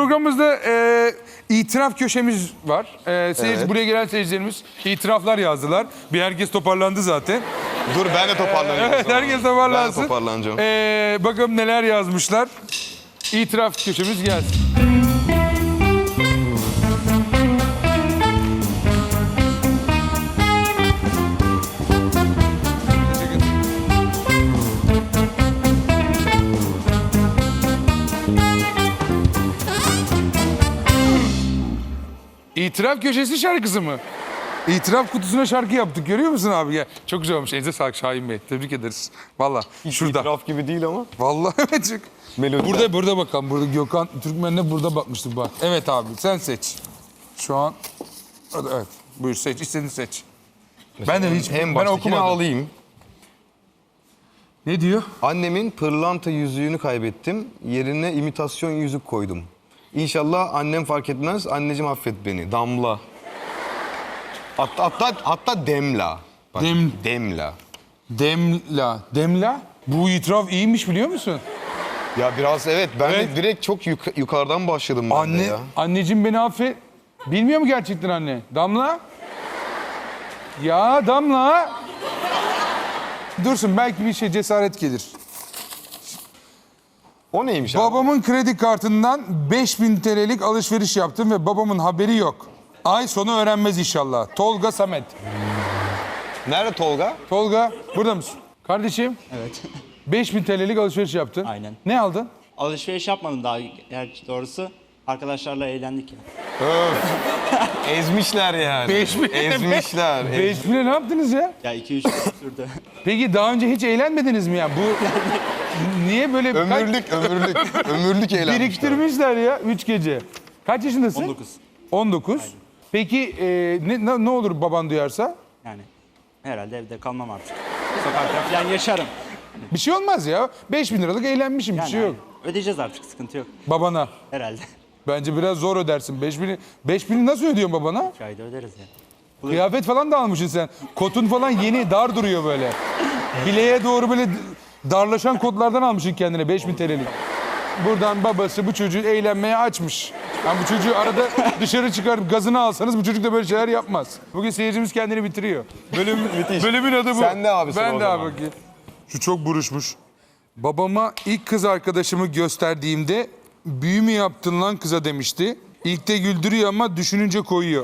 programımızda itiraf köşemiz var. Buraya gelen seyircilerimiz itiraflar yazdılar. Bir herkes toparlandı zaten. Dur ben de toparlanayım. Evet, herkes toparlansın. Ben de toparlanacağım. Bakalım neler yazmışlar. İtiraf köşemiz gelsin. İtiraf köşesi şarkısı mı? İtiraf kutusuna şarkı yaptık. Görüyor musun abi? Ya, çok güzel olmuş. Elinize sağlık Şahin Bey. Tebrik ederiz. Vallahi şurada. İtiraf gibi değil ama. Vallahi evet. Çok... Melodi. Burada bakalım. Burada Gökhan Türkmen'le burada bakmıştık bak. Evet abi sen seç. Şu an evet. Buyur seç. İstediğini seç. Ben de hiç En ben baştakini okumadım. alayım. Ne diyor? Annemin pırlanta yüzüğünü kaybettim. Yerine imitasyon yüzük koydum. İnşallah annem fark etmez. Anneciğim affet beni. Damla. Hatta Demla. Bak, Demla. Demla. Demla? Bu itiraf iyiymiş biliyor musun? Ya biraz evet. Ben Evet. de direkt çok yukarıdan başladım ben de ya. Anneciğim beni affet. Bilmiyor mu gerçekten anne? Damla? Ya Damla. Dursun belki bir şey cesaret gelir. O neymiş abi? Babamın kredi kartından 5000 TL'lik alışveriş yaptım ve babamın haberi yok. Ay sonu öğrenmez inşallah. Tolga Samet. Nerede Tolga? Tolga burada mısın? Kardeşim Evet. 5000 TL'lik alışveriş yaptın. Aynen. Ne aldın? Alışveriş yapmadım daha gerçi doğrusu. Arkadaşlarla eğlendik ya. Ezmişler yani. 5000 Ezmişler. 5000'e ne yaptınız ya? Ya 2-3 gün sürdü. Peki daha önce hiç eğlenmediniz mi ya? Bu niye böyle Ömürlük eğlenmişler. biriktirmişler ya 3 gece. Kaç yaşındasın? 19. 19. Peki ne olur baban duyarsa? Yani herhalde evde kalmam artık. Sokakta falan yaşarım. Bir şey olmaz ya. 5000 liralık eğlenmişim bir Yani şey yok. ödeyeceğiz artık, sıkıntı yok. Babana. Herhalde. Bence biraz zor ödersin. 5000'i nasıl ödüyorsun babana? 3 ayda öderiz ya. Kıyafet falan da almışsın sen. Kotun falan yeni dar duruyor böyle. Bileğe doğru böyle darlaşan kotlardan almışsın kendine 5000 TL'lik. Buradan babası bu çocuğu eğlenmeye açmış. Yani bu çocuğu arada dışarı çıkarıp gazını alsanız bu çocuk da böyle şeyler yapmaz. Bugün seyircimiz kendini bitiriyor. Bölümün adı bu. Sen de abisin Ben o de zaman. abi bakayım. Şu çok buruşmuş. Babama ilk kız arkadaşımı gösterdiğimde büyü mü yaptın lan kıza demişti. İlk de güldürüyor ama düşününce koyuyor.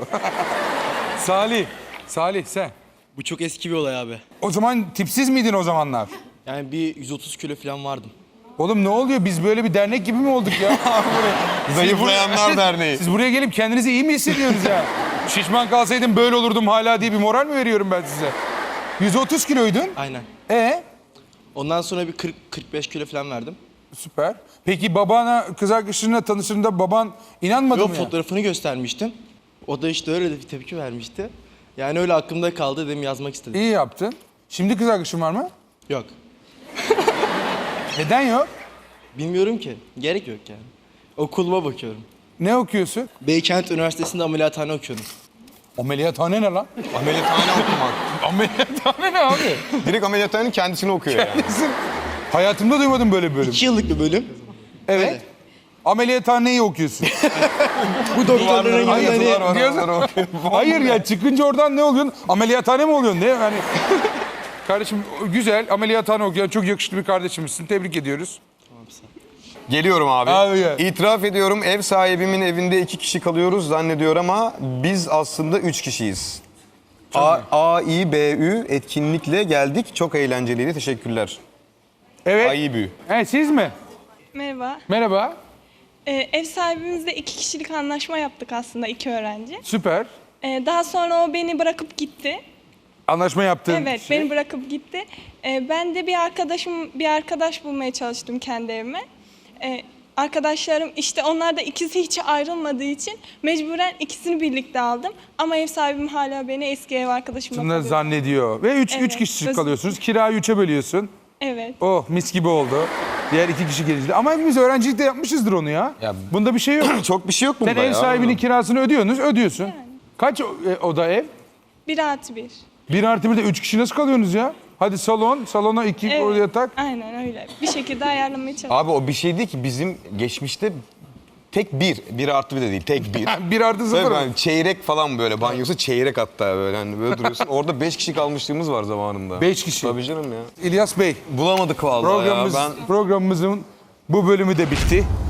Salih sen. Bu çok eski bir olay abi. O zaman tipsiz miydin o zamanlar? Yani bir 130 kilo falan vardım. Oğlum ne oluyor? Biz böyle bir dernek gibi mi olduk ya? Zayıflayanlar Derneği. Siz buraya gelip kendinizi iyi mi hissediyorsunuz ya? Şişman kalsaydım böyle olurdum hala diye bir moral mi veriyorum ben size? 130 kiloydun. Aynen. Ondan sonra bir 40-45 kilo falan verdim. Süper. Peki babana, kız arkadaşınla tanıştığında baban inanmadı Yok, mı ya? fotoğrafını göstermiştim. O da işte öyle bir tepki vermişti. Yani öyle aklımda kaldı, dedim yazmak istedim. İyi yaptın. Şimdi kız arkadaşın var mı? Yok. Neden yok? Bilmiyorum ki. Gerek yok yani. Okuluma bakıyorum. Ne okuyorsun? Beykent Üniversitesi'nde ameliyathane okuyorum. Ameliyathane ne lan? Ameliyathane okumak. Ameliyathane ne abi? Direkt ameliyathanenin kendisini okuyor yani. Hayatımda duymadım böyle bir bölüm. 2 yıllık bir bölüm. Evet. Öyle. Ameliyathaneyi okuyorsun. Bu doktorların Hayır, yani... Hayır ya çıkınca oradan ne oluyorsun? Ameliyathane mi oluyorsun? Ne yani? Kardeşim güzel ameliyathane okuyan çok yakışıklı bir kardeşimizsin. Tebrik ediyoruz. Geliyorum abi. Abi gel. İtiraf ediyorum, ev sahibimin evinde 2 kişi kalıyoruz zannediyor ama biz aslında 3 kişiyiz. AİBÜ etkinlikle geldik. Çok eğlenceliydi. Teşekkürler. Evet. AİBÜ. Evet siz mi? Merhaba. Merhaba. Ev sahibimizle 2 kişilik anlaşma yaptık aslında, 2 öğrenci. Süper. Daha sonra o beni bırakıp gitti. Anlaşma yaptın. Evet, beni bırakıp gitti. Ben de bir arkadaş bulmaya çalıştım kendi evime. Arkadaşlarım işte onlar da ikisi hiç ayrılmadığı için mecburen ikisini birlikte aldım. Ama ev sahibim hala beni eski ev arkadaşımla Bunları kalıyor. zannediyor. Ve üç Evet, kişi öz- kalıyorsunuz. Kirayı 3'e bölüyorsun. Evet. Oh mis gibi oldu. Diğer 2 kişi gelince. Ama hepimiz öğrencilikte yapmışızdır onu ya. Ya- Bunda bir şey yok. Çok bir şey yok bunda Sen ev ya. sahibinin kirasını ödüyorsun. Kaç oda ev? 1+1. 1+1'de 3 kişi nasıl kalıyorsunuz ya? Hadi salona 2 yatak. Aynen öyle. Bir şekilde ayarlamaya çalıştım. Abi o bir şey değil ki bizim geçmişte Tek bir. Bir artı bir de değil. Tek bir. 1+0 Tabii mı? ben çeyrek falan böyle. Banyosu çeyrek hatta böyle. Hani böyle duruyorsun. Orada 5 kişi kalmışlığımız var zamanında. 5 kişi. Tabii canım ya. İlyas Bey, Bulamadık vallahi ya. Ben programımızın bu bölümü de bitti.